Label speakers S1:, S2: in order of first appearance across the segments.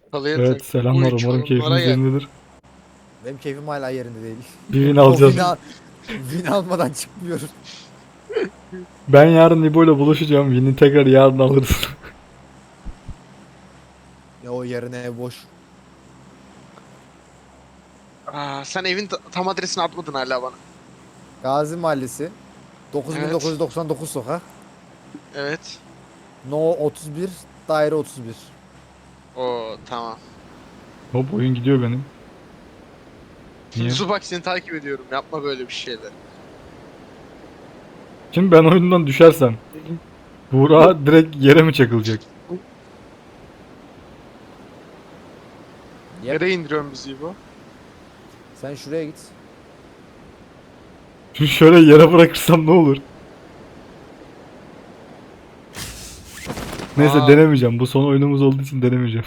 S1: Evet, selamlar, umarım keyfiniz yerindedir.
S2: Benim keyfim hala yerinde değil.
S1: Bir win
S2: O
S1: alacağız.
S2: win almadan çıkmıyorum.
S1: Ben yarın İbo ile buluşacağım. Win'i tekrar yarın alırız.
S2: Ya o yarın ev boş.
S3: Sen evin tam adresini atmadın hala bana.
S2: Gazi Mahallesi.
S3: Evet.
S2: 9999 sokak.
S3: Evet.
S2: No 31. Daire 31.
S3: O tamam.
S1: Hop, oyun gidiyor benim. Niye?
S3: Zubak seni takip ediyorum. Yapma böyle bir şeyler.
S1: Şimdi ben oyundan düşersem Buğra direkt yere mi çakılacak?
S2: Yep.
S3: Nereye indiriyorsun bizi bu?
S2: Sen şuraya git.
S1: Şimdi şöyle yere bırakırsam ne olur? Neyse,
S3: Aa.
S1: denemeyeceğim. Bu son oyunumuz olduğu için denemeyeceğim.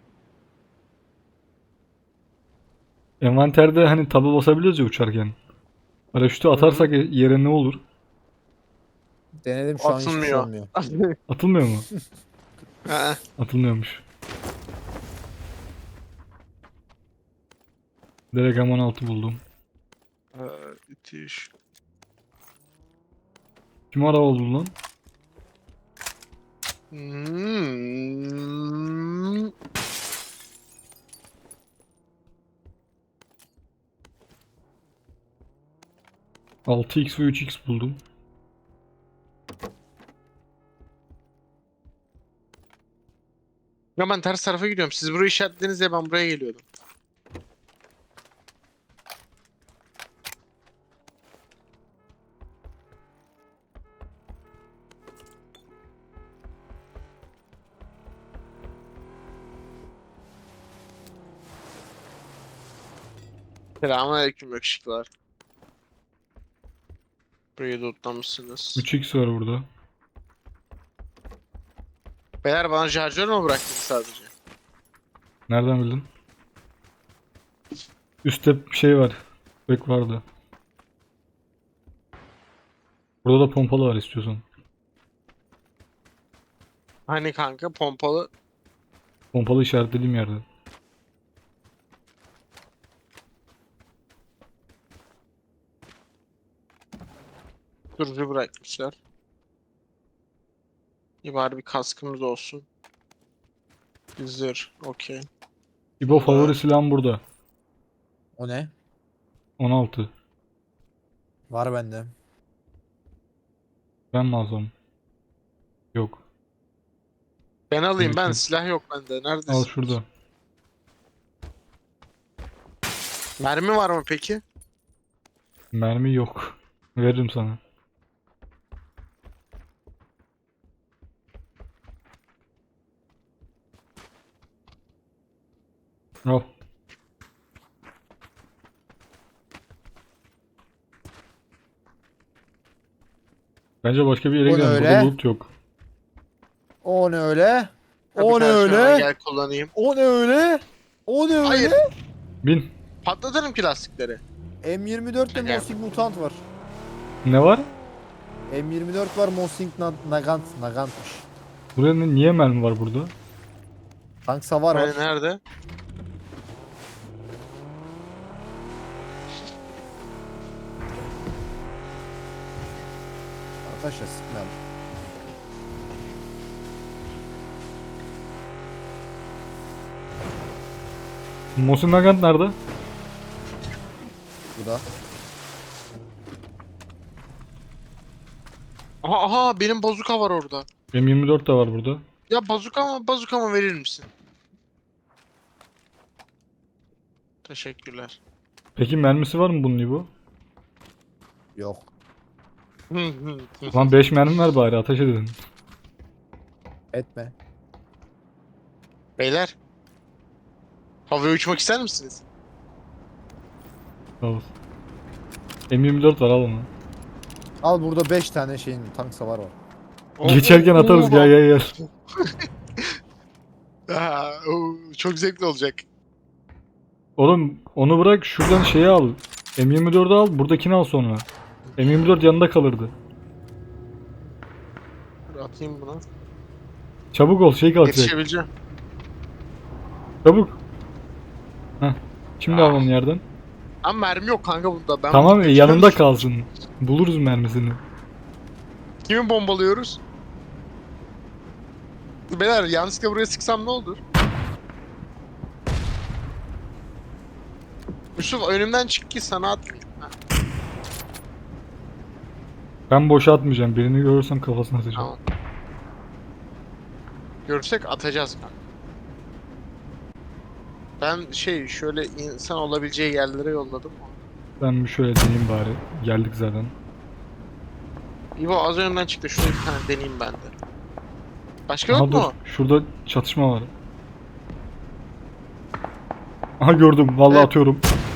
S1: Envanterde hani taba basabiliyoruz ya uçarken. Paraşütü atarsak yere ne olur?
S2: Denedim şu an hiçbir şey
S3: Atılmıyor.
S2: olmuyor.
S1: Atılmıyor mu?
S3: Aa,
S1: Atılmıyormuş. Direkt M16 buldum.
S3: Müthiş.
S1: Kim araba buldu lan?
S3: Hmm.
S1: 6x ve 3x buldum.
S3: Ya ben ters tarafa gidiyorum. Siz burayı işaretlediniz ya ben buraya geliyordum. Selamünaleyküm yakışıklılar. Burayı lootlamışsınız.
S1: 3x var burada.
S3: Beyler bana şarjör mü bıraktınız sadece?
S1: Nereden bildin? Üstte bir şey var. Bek vardı. Burada da pompalı var istiyorsan.
S3: Hani kanka pompalı.
S1: Pompalı işaretlediğim yerde.
S3: Durucu bırakmışlar. İyi bari bir kaskımız olsun. Bir zırh. Okey.
S1: İbo, favori silahım burada.
S2: O ne?
S1: 16.
S2: Var bende.
S1: Ben mi alsam? Yok.
S3: Ben alayım ben.
S1: Yok.
S3: Silah yok bende.
S1: Al
S3: Neredesin?
S1: şurada.
S3: Mermi var mı peki?
S1: Mermi yok. Veririm sana. Al. Bence başka bir yere
S2: O ne
S1: gidelim.
S2: öyle?
S1: Burada loot yok.
S2: O ne öyle?
S3: Bir
S2: O ne
S3: tane şuna
S2: öyle?
S3: Gel kullanayım.
S2: O ne öyle? O ne
S3: Hayır.
S2: öyle?
S1: Bin.
S3: Patlatırım ki lastikleri.
S2: M24'te
S3: Gel.
S2: Mosing Mutant var.
S1: Ne var?
S2: M24 var Mosing Nagant'mış.
S1: Buraya niye mermi var burada?
S2: Tank savar var.
S3: Hani nerede?
S2: Arkadaşlar sıkmayalım.
S1: Mosin Nagant nerede?
S2: Bu da.
S3: Aha benim bazuka var orada.
S1: M24 de var burada.
S3: Ya bazuka mı verir misin? Teşekkürler.
S1: Peki mermisi var mı bunun İbo?
S2: Yok.
S1: Lan 5 mermi ver bari, ateş edin.
S2: Etme.
S3: Beyler. Havaya uçmak ister misiniz?
S1: Sağ ol. M24 var, al onu.
S2: Al burada 5 tane şeyin tank savar var.
S1: Geçerken atarız, gel gel gel.
S3: Çok zevkli olacak.
S1: Oğlum onu bırak, şuradan şeyi al. M24'ü al, buradakini al sonra. M24 yanında kalırdı.
S3: Dur, atayım buna.
S1: Çabuk ol, şey kalkacak.
S3: Yetişebileceğim.
S1: Çabuk. Heh. Şimdi al onu yerden.
S3: Ama mermi yok kanka bunda. Ben
S1: Tamam
S3: bunu
S1: yanında
S3: götürüyorum.
S1: kalsın. Buluruz mermisini.
S3: Kimi bombalıyoruz? Beyler yanlışlıkla buraya sıksam ne olur? Yusuf önümden çık ki sana atmayayım. Ha,
S1: Ben boşa atmayacağım. Birini görürsem kafasına atacağım.
S3: tamam. Görsek atacağız kanka. Ben şöyle insan olabileceği yerlere yolladım.
S1: Ben bir şöyle deneyeyim bari. Geldik zaten.
S3: İbo az önden çıktı. Şunu bir tane deneyeyim ben de. Başka
S1: Aha
S3: yok
S1: dur.
S3: mu?
S1: Şurada çatışma var. Aha gördüm. Vallahi
S3: Evet.
S1: atıyorum.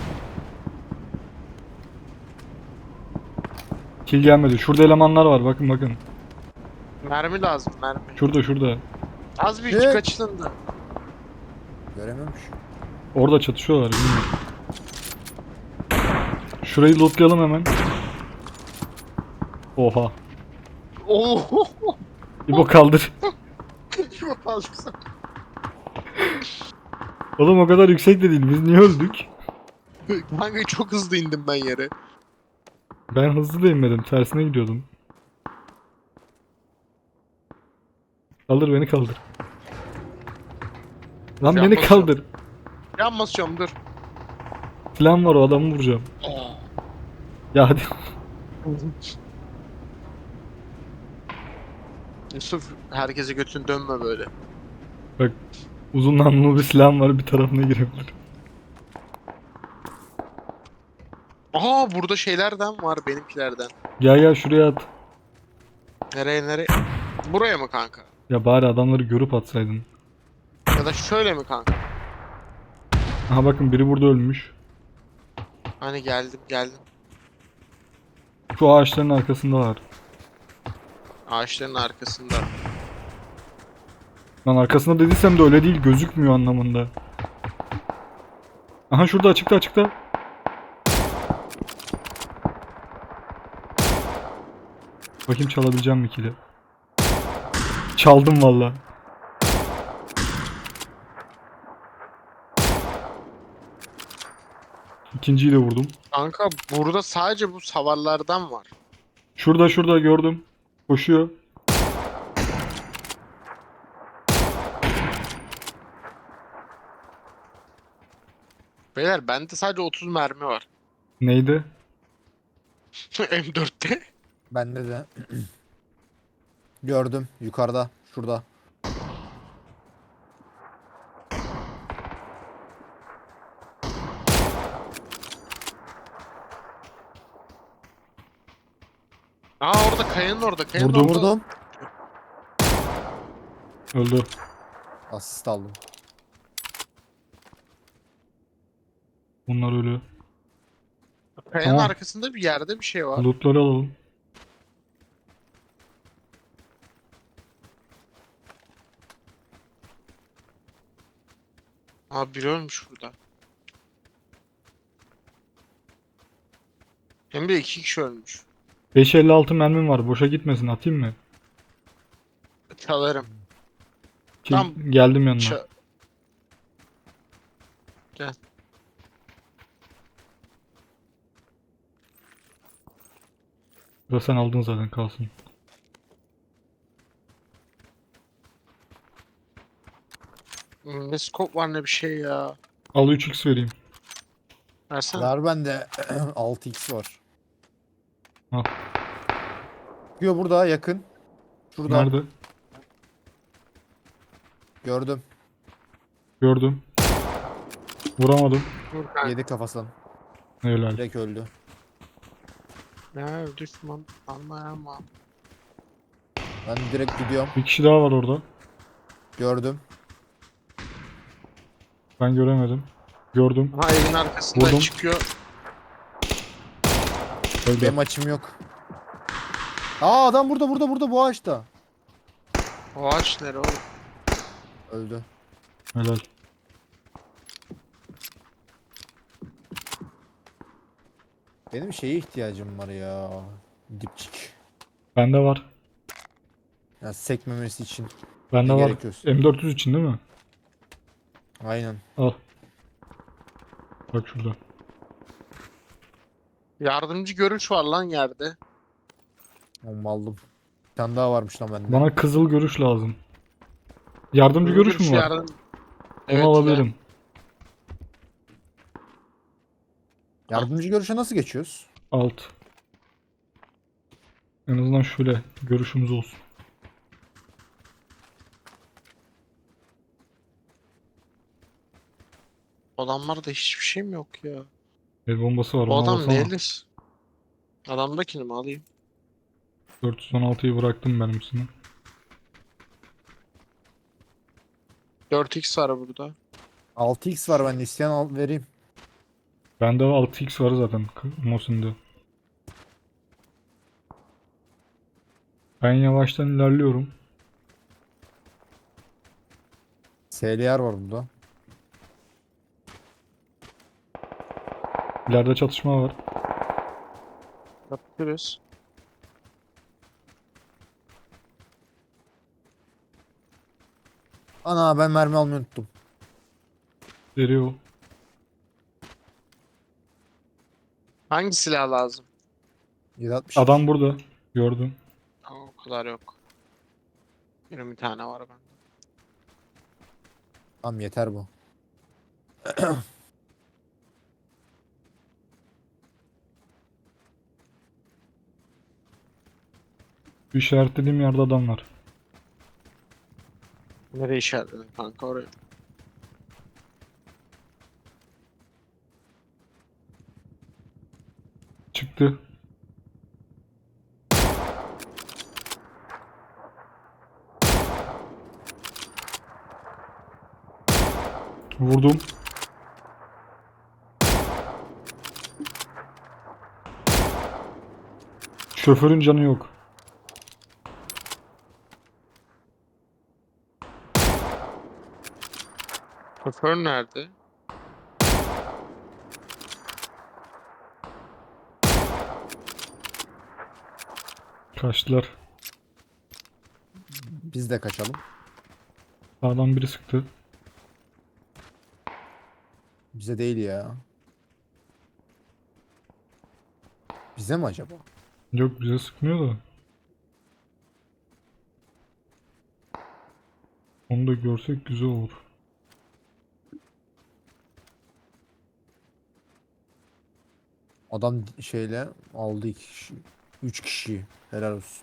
S1: Kill gelmedi. Şurada elemanlar var. Bakın bakın.
S3: Mermi lazım mermi.
S1: Şurada.
S3: Az bir
S2: Evet.
S3: kaçtın da.
S2: Görememiş.
S1: Orada çatışıyorlar. Bilmiyorum. Şurayı lootlayalım hemen. Oha.
S3: Oo.
S1: İbo kaldır.
S3: İbo fazla.
S1: Oğlum o kadar yüksek de değil. Biz niye öldük?
S3: Kanka çok hızlı indim ben yere.
S1: Ben hızlı da inmedim. Tersine gidiyordum. Kaldır beni kaldır. Lan
S3: Can
S1: beni
S3: basıyorum.
S1: kaldır.
S3: Yan basıyorum dur.
S1: Plan var o adamı vuracağım. Ya hadi.
S3: Yusuf herkese götün dönme böyle.
S1: Bak uzun namlulu bir silahım var bir tarafına girebilir.
S3: Aha burada şeylerden var benimkilerden.
S1: Gel şuraya at.
S3: Nereye? Buraya mı kanka?
S1: Ya bari adamları görüp atsaydın.
S3: Ya da şöyle mi kanka?
S1: Aha bakın biri burada ölmüş.
S3: Hani geldim.
S1: Şu ağaçların arkasında var.
S3: Ağaçların arkasında.
S1: Lan arkasında dediysem de öyle değil gözükmüyor anlamında. Aha şurada açıkta. Bakayım çalabileceğim mi kili? Çaldım valla. İkinciyi de vurdum.
S3: Kanka burada sadece bu savarlardan var.
S1: Şurada gördüm. Koşuyor.
S3: Beyler bende sadece 30 mermi var.
S1: Neydi?
S3: M4'te.
S2: Bende de. Gördüm. Yukarıda. Şurada.
S3: Aa orada kayanın orada. Kayanın
S1: Vurdum.
S3: orada.
S2: Vurdum.
S1: Öldü.
S2: Asist aldım.
S1: Bunlar ölü.
S3: Kayanın
S1: Tamam.
S3: arkasında bir yerde bir şey var.
S1: Lootları alalım.
S3: Aa biri ölmüş burada. Hem de 2 kişi ölmüş.
S1: 556 mermim var. Boşa gitmesin. Atayım mı?
S3: Çalarım.
S1: Ki
S3: Tam
S1: geldim yanına.
S3: Gel.
S1: Da sen aldın zaten kalsın.
S3: Ne scope var ne bir şey ya.
S1: Al 3x vereyim.
S3: Versene.
S2: Var bende 6x var.
S1: Al.
S2: Diyor burada yakın. Şurada.
S1: Nerede?
S2: Gördüm.
S1: Gördüm. Vuramadım.
S3: Dur kanka.
S2: Yedi kafasından.
S1: Helal.
S2: Direkt öldü.
S3: Ne düşman anlayamam.
S2: Ben direkt gidiyorum.
S1: Bir kişi daha var orada.
S2: Gördüm.
S1: Ben göremedim. Gördüm.
S3: Ha evin arkasından
S1: Vurdum.
S3: çıkıyor.
S1: Öldü.
S2: Benim açım yok. Aa adam burada bu ağaçta.
S3: O ağaç nere oğlum?
S2: Öldü.
S1: Helal.
S2: Benim şeye ihtiyacım var ya. Dipçik.
S1: Bende var.
S2: Ya sekmemesi için.
S1: Bende
S2: Ne
S1: var.
S2: gerekiyorsa.
S1: M400 için değil mi?
S2: Aynen.
S1: Al. Bak şurada.
S3: Yardımcı görüş var lan yerde.
S2: Onu aldım. Bir tane daha varmış lan bende.
S1: Bana kızıl görüş lazım. Yardımcı
S3: Hızlı
S1: görüş mü
S3: görüş
S1: var?
S3: yardım.
S1: Onu
S3: Evet ile.
S1: alabilirim.
S2: Yardımcı görüşe nasıl geçiyoruz?
S1: Alt. En azından şöyle görüşümüz olsun.
S3: Adamlarda hiçbir şey mi yok ya?
S1: El bombası var,
S3: O
S1: ona
S3: adam
S1: baksana.
S3: neylis? Adamdakini mi alayım?
S1: 416'yı bıraktım benimsini.
S3: 4x var burada.
S2: 6x var bende. İsteyen al vereyim.
S1: Bende 6x var zaten Mosin'de. Ben yavaştan ilerliyorum.
S2: SLR var burada.
S1: İleride çatışma var.
S3: Yapıyoruz.
S2: Ana ben mermi almayı unuttum.
S1: Veriyor.
S3: Hangi silah lazım?
S2: 762.
S1: Adam burada. Gördüm.
S3: Aa, o kadar yok. Benim bir tane var bende.
S2: Tamam yeter bu.
S1: Şu işaretlediğim yerde adam var.
S3: Nereye işaretledin kanka oraya?
S1: Çıktı. Vurdum. Şoförün canı yok.
S3: Şoför nerede?
S1: Kaçtılar.
S2: Biz de kaçalım.
S1: Sağdan biri sıktı.
S2: Bize değil ya. Bize mi acaba?
S1: Yok, bize sıkmıyor da. Onu da görsek güzel olur.
S2: Adam şeyle aldı 2 kişi. 3 kişiyi. Helal olsun.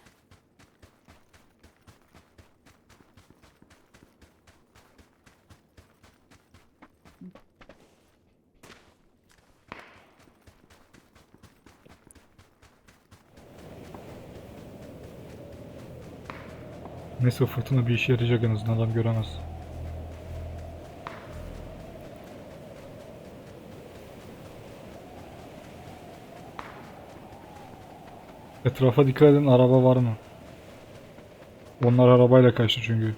S1: Neyse, fırtına bir işe yarayacak, en azından adam göremez. Etrafa dikkat edin, araba var mı? Onlar arabayla kaçtı çünkü.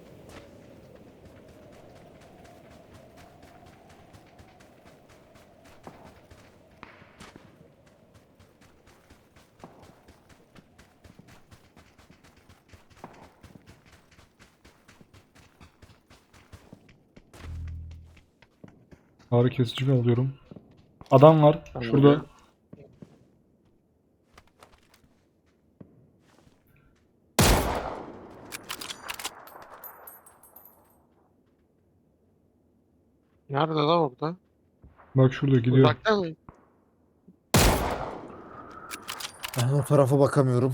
S1: Ağrı kesici alıyorum. Adam var şurada.
S3: Nerede lan orada?
S1: Bak şurada gidiyor.
S3: Uzakta mı?
S2: Ben o tarafa bakamıyorum.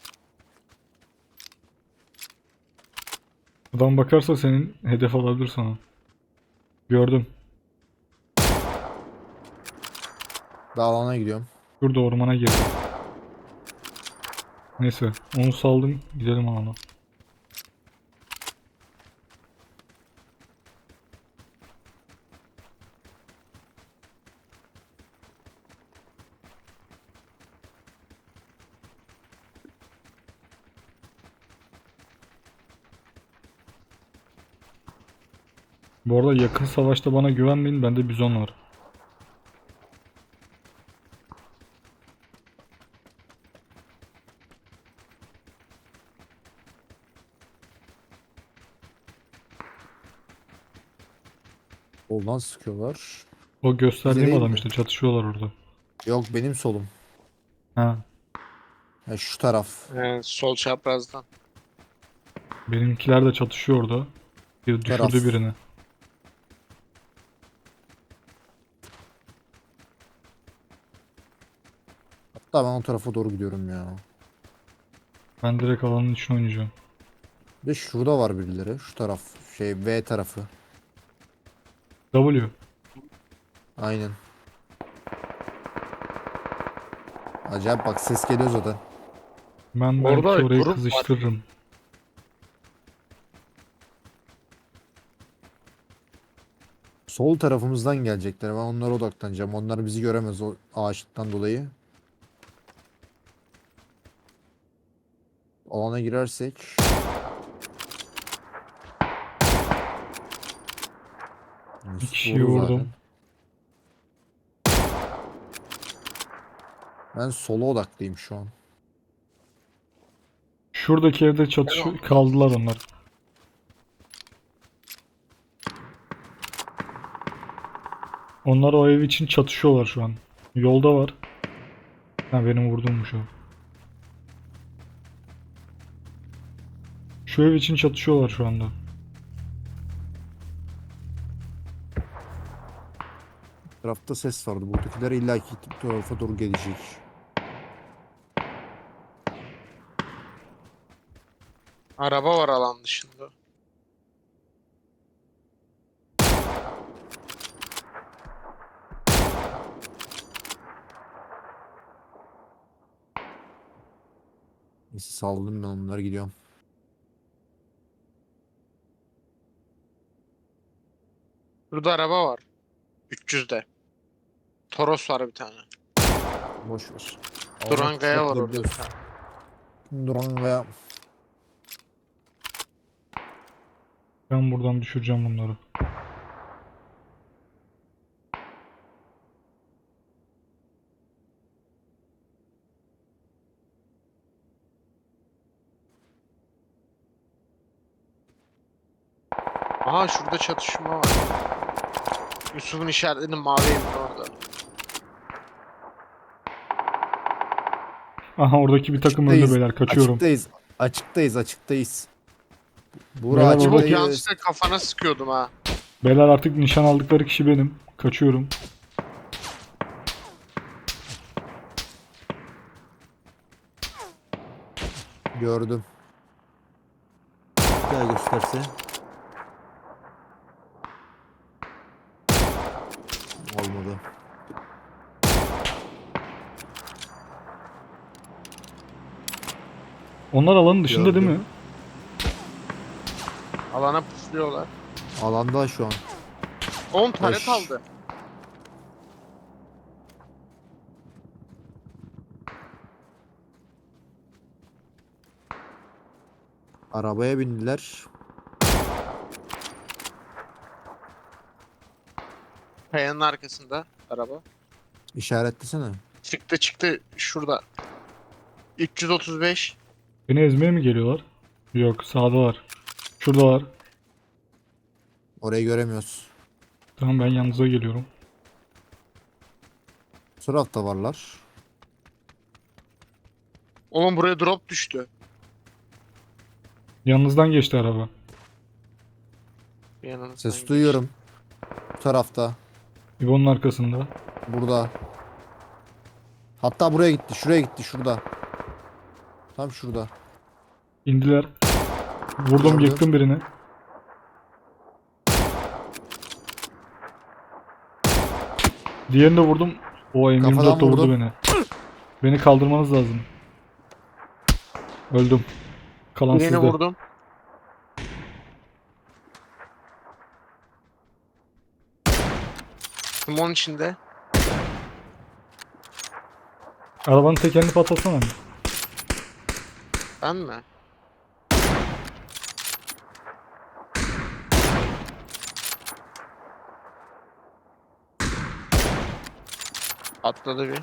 S1: Adam bakarsa senin hedef alabilir sana. Gördüm.
S2: Dağlana gidiyorum.
S1: Şurada ormana girdi. Neyse, onu saldım, gidelim alana. Bu arada yakın savaşta bana güvenmeyin, bende bizon var.
S2: Soldan sıkıyorlar.
S1: O gösterdiğim
S2: değil
S1: adam
S2: mi?
S1: işte, çatışıyorlar orada.
S2: Yok, benim solum.
S1: Ha,
S2: Ha, şu taraf.
S3: Sol çaprazdan.
S1: benimkiler de çatışıyor orada. Bir
S2: Bu
S1: düşürdü
S2: taraf.
S1: birini.
S2: Hatta ben o tarafa doğru gidiyorum ya.
S1: Ben direkt alanın içine oynayacağım.
S2: Bir de şurada var birileri. Şu taraf. Şey, V tarafı.
S1: W.
S2: Aynen. Acayip bak, ses geliyor zaten.
S1: Ben
S3: Orada
S1: belki orayı
S3: grup var.
S1: kızıştırırım.
S2: Sol tarafımızdan gelecekler. Ben onlara odaklanacağım. Onlar bizi göremez o ağaçlıktan dolayı. Alana girersek.
S1: Bir
S2: Yusuf
S1: kişiyi
S2: vurdu
S1: vurdum.
S2: zaten. Ben sola odaklıyım şu an.
S1: Şuradaki evde çatışıyor. Kaldılar onlar. Onlar o ev için çatışıyorlar şu an. Yolda var. Ha, benim vurduğummuş o. Şu ev için çatışıyorlar şu anda.
S2: Tarafta ses vardı. Buradakiler illaki bu tarafa doğru gelecek.
S3: Araba var alan dışında.
S2: Neyse, saldım ben onlara, gidiyorum.
S3: Burada araba var. 300'de. Toros var bir tane.
S2: Boş ver.
S3: Durangaya var orada bir tane.
S2: Durangaya.
S1: Ben buradan düşüreceğim bunları.
S3: Aha şurada çatışma var. Yusuf'un işaretlediği mavi evin orada.
S1: Aha, oradaki bir takım öldü beyler. Kaçıyorum.
S2: Açıktayız. Açıktayız. Açıktayız. Buğra
S1: Beyler,
S3: Umut
S1: oradaki-
S2: açıktayız.
S3: yanlışlıkla kafana sıkıyordum ha.
S1: Beyler, artık nişan aldıkları kişi benim. Kaçıyorum.
S2: Gördüm. Bir daha gösterse. Olmadı.
S1: Onlar alanın dışında değil mi?
S2: Gördüm.
S3: Alana pufluyorlar.
S2: Alanda şu an.
S3: 10 tane
S2: Beş.
S3: kaldı.
S2: Arabaya bindiler.
S3: Kayanın arkasında araba.
S2: İşaretlesene.
S3: Çıktı şurada. 335.
S1: Beni ezmeye mi geliyorlar? Yok, sağdalar. Şuradalar.
S2: Orayı göremiyoruz.
S1: Tamam, ben yanınıza geliyorum.
S2: Bu tarafta varlar.
S3: Oğlum buraya drop düştü.
S1: Yanınızdan geçti araba.
S3: Yanımızdan
S2: Ses
S3: geçti.
S2: duyuyorum. Bu tarafta.
S1: İbo'nun arkasında.
S2: Burada. Hatta buraya gitti. Şuraya gitti. Şurada. Tam şurada.
S1: İndiler. Vurdum,
S2: Gördüm.
S1: yıktım birini. Diğerini de vurdum. O M24
S2: Kafadan
S1: de vurdu
S2: vurdum.
S1: beni. Beni kaldırmanız lazım. Öldüm. Kalan
S3: Birini
S1: sizde.
S3: vurdum. Simon içinde.
S1: Arabanın tekerini patlatsana.
S3: Ben mi? Atladı bir.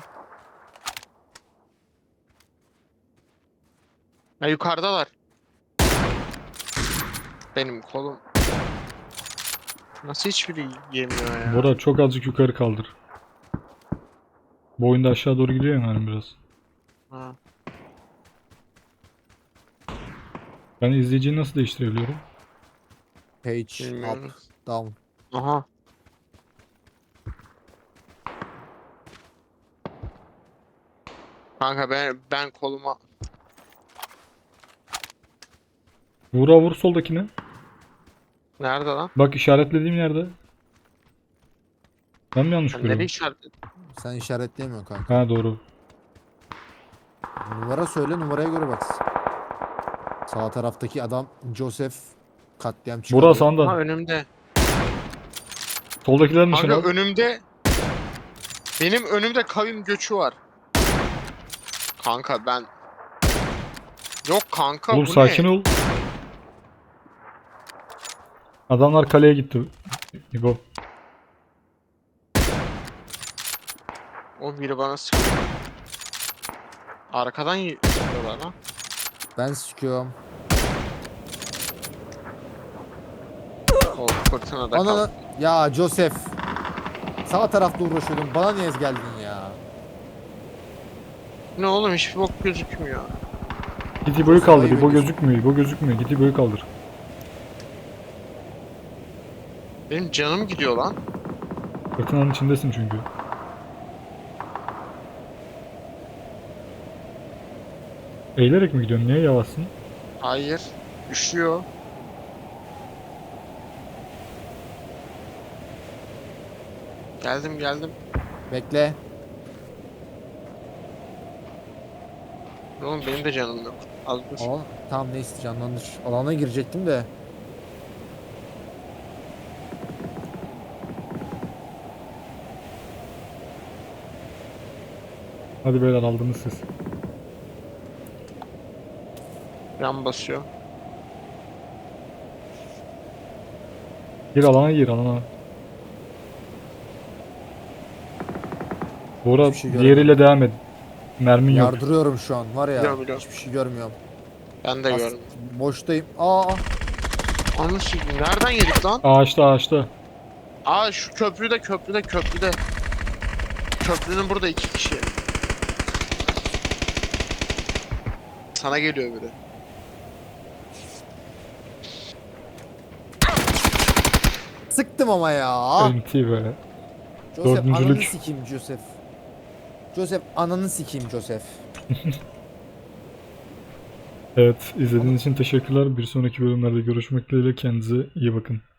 S3: Ha yukarıdalar. Benim kolum. Nasıl hiçbiri yemiyor ya?
S1: Bora çok azıcık yukarı kaldır. Bu oyunda aşağı doğru gidiyor yani biraz.
S3: Ha.
S1: Ben izleyiciyi nasıl değiştirebiliyorum?
S2: Page up
S3: Bilmiyorum.
S2: down.
S3: Aha. Kanka ben koluma
S1: Vura vur soldakine.
S3: nerede lan?
S1: Bak işaretlediğim yerde. Ben mi yanlış
S3: Sen nereye
S1: görüyorum?
S3: işaretledin?
S2: Sen işaretleyemiyorsun kanka.
S1: Ha doğru.
S2: Numara söyle, numaraya göre baksın. Sağ taraftaki adam Joseph katliam çıkarıyor.
S1: Bora
S3: Ha
S1: sağında.
S3: önümde.
S1: Soldakilerin nişan
S3: Kanka
S1: al.
S3: önümde. Benim önümde kavim göçü var. Kanka ben. Yok kanka
S1: Oğlum
S3: bu
S1: sakin
S3: ne?
S1: ol. Adamlar kaleye gitti. İbo.
S3: O biri bana sıkıyor. Arkadan sıkıyorlar lan.
S2: Ben sıkıyorum.
S3: O fırtınada kal.
S2: Ana ya Joseph. Sağ tarafta uğraşıyordum. Bana niye geldin ya?
S3: Ne oğlum hiçbir bok gözükmüyor.
S1: Git İbo'yu kaldır.
S2: Ayıp
S1: İbo
S2: ediyorsun.
S1: gözükmüyor. İbo gözükmüyor. Git İbo'yu kaldır.
S3: Benim canım gidiyor lan.
S1: Fırtınanın içindesin çünkü. Eğilerek mi gidiyorsun? Niye yavaşsın?
S3: Hayır. Üşüyor. Geldim.
S2: Bekle.
S3: Oğlum benim de canım yok. Az dur.
S2: Alan, tamam neyse canlandır. Alana girecektim de.
S1: Hadi beyler aldınız siz.
S3: Yan basıyor.
S1: Gir alana gir alana. Bora
S2: Hiçbir şey
S1: diğeriyle devam et. Mermin yok.
S2: Yardırıyorum şu an var ya.
S3: Biliyorum.
S2: Hiçbir şey görmüyorum.
S3: Ben de gördüm.
S2: Boştayım. Aa.
S3: Onu sikeyim. Nereden yedik lan?
S1: Ağaçta.
S3: Aa şu köprüde. Köprünün burada 2 kişi. Sana geliyor biri.
S2: Sıktım ama ya.
S1: NT be.
S2: Joseph
S1: Dördüncülük.
S2: ananı sikeyim Joseph. Joseph ananı sikeyim Joseph.
S1: Evet izlediğiniz için teşekkürler. Bir sonraki bölümlerde görüşmek dileğiyle kendinize iyi bakın.